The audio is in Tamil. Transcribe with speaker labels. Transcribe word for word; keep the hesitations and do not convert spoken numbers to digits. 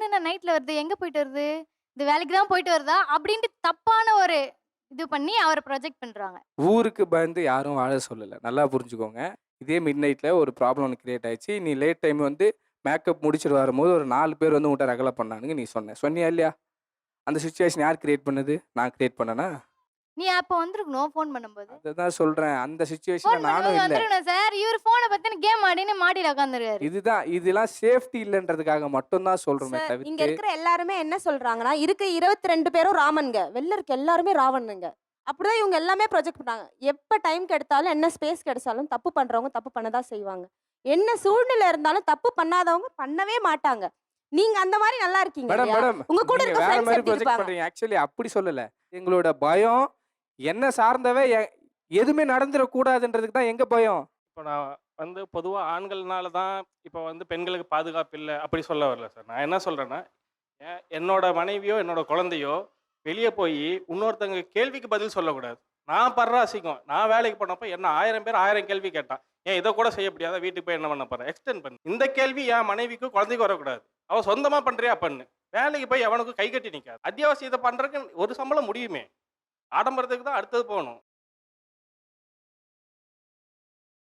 Speaker 1: என்ன நைட்ல வருது? எங்க போயிட்டு வருது? இது வேலைக்கு தான் போயிட்டு வருதா? அப்படின்ட்டு தப்பான ஒரு இது பண்ணி அவர ப்ரொஜெக்ட் பண்றாங்க.
Speaker 2: ஊருக்கு பயந்து யாரும் வாழ சொல்லல. நல்லா புரிஞ்சுக்கோங்க. இதே மிட் நைட்ல ஒரு ப்ராப்ளம் ஒண்ணு கிரியேட் ஆயிடுச்சு. நீ லேட் டைம் வந்து மேக்கப் முடிச்சுட்டு வரும்போது ஒரு நாலு பேர் வந்து உன்ட்ட ரகல பண்ணானுங்க நீ சொன்ன. சொன்னியா இல்லையா? அந்த சிச்சுவேஷன் யார் கிரியேட் பண்ணது? நான் கிரியேட் பண்ணனா?
Speaker 1: நீ அப்ப வந்திருக்கணும் ஃபோன் பண்ணும்போது.
Speaker 2: அததான் சொல்றேன். அந்த சிச்சுவேஷன்ல
Speaker 1: ஃபோன்
Speaker 2: நானும்
Speaker 1: பண்ணும்போது
Speaker 2: இல்ல.
Speaker 1: வந்திருக்கணும் சார். இவரு ஃபோன பாத்துன்னு கேம் ஆடின்னு மாடியில உட்காந்துருக்காரு.
Speaker 2: இதுதான் இதெல்லாம் சேஃப்டி இல்லன்றதுக்காக மட்டும் தான் சொல்றோமே
Speaker 3: சார், இங்க
Speaker 2: தவிர்த்து
Speaker 3: இருக்கிற எல்லாருமே என்ன சொல்றாங்கன்னா, இருக்க இருபத்தி ரெண்டு பேரும் ராமன்ங்க. வெளில இருக்க எல்லாருமே ராவணனுங்க. அப்படிதான் இவங்க எல்லாமே ப்ரொஜெக்ட் பண்ணாங்க. எப்ப டைம் கிடைத்தாலும், என்ன ஸ்பேஸ் கிடைச்சாலும் தப்பு பண்றவங்க தப்பு பண்ண தான் செய்வாங்க. என்ன சூழ்நிலை இருந்தாலும் தப்பு பண்ணாதவங்க பண்ணவே மாட்டாங்க. நீங்க அந்த மாரி நல்லா இருக்கீங்க
Speaker 2: மேடம்,
Speaker 3: இல்லையா?
Speaker 2: மேடம்
Speaker 3: உங்க கூட
Speaker 2: நீங்க
Speaker 3: இருக்க
Speaker 2: வேற
Speaker 3: ஃப்ரெண்ட்ஸ்
Speaker 2: மாரி
Speaker 3: எப்படி
Speaker 2: ப்ரொஜெக்ட்
Speaker 3: இருப்பாங்க?
Speaker 2: பண்றீங்க. ஆக்சுவலி அப்படி சொல்லல. எங்களோட பயம் என்ன சார்ந்தவ எ எதுவுமே நடந்துறக்கூடாதுன்றதுக்கு தான் எங்க பயம்.
Speaker 4: இப்போ நான் வந்து பொதுவா ஆண்கள்னால தான் இப்போ வந்து பெண்களுக்கு பாதுகாப்பு இல்ல, அப்படி சொல்ல வரல சார். நான் என்ன சொல்றேன்னா, எ என்னோட மனைவியோ, என்னோட குழந்தையோ வெளிய போயி இன்னொருத்தங்க கேள்விக்கு பதில் சொல்லக்கூடாது. நான் படுற அசிங்கம். நான் வேலைக்கு போனப்போ என்ன ஆயிரம் பேர் ஆயிரம் கேள்வி கேட்டான். ஏன் இத கூட செய்ய முடியாதா? வீட்டுக்கு போய் என்ன பண்ண போற? எக்ஸ்டெண்ட் பண்ணு. இந்த கேள்வி என் மனைவிக்கும், குழந்தைக்கும் வரக்கூடாது. அவ சொந்தமா பண்றியா பண்ணு. வேலைக்கு போய் எவனுக்கும் கை கட்டி நிக்காத. அத்தியாவசியத்த பண்றதுக்கு ஒரு சம்பளம் முடியுமே. ஆடம்பரத்துக்கு தான் அடுத்தது போணும்.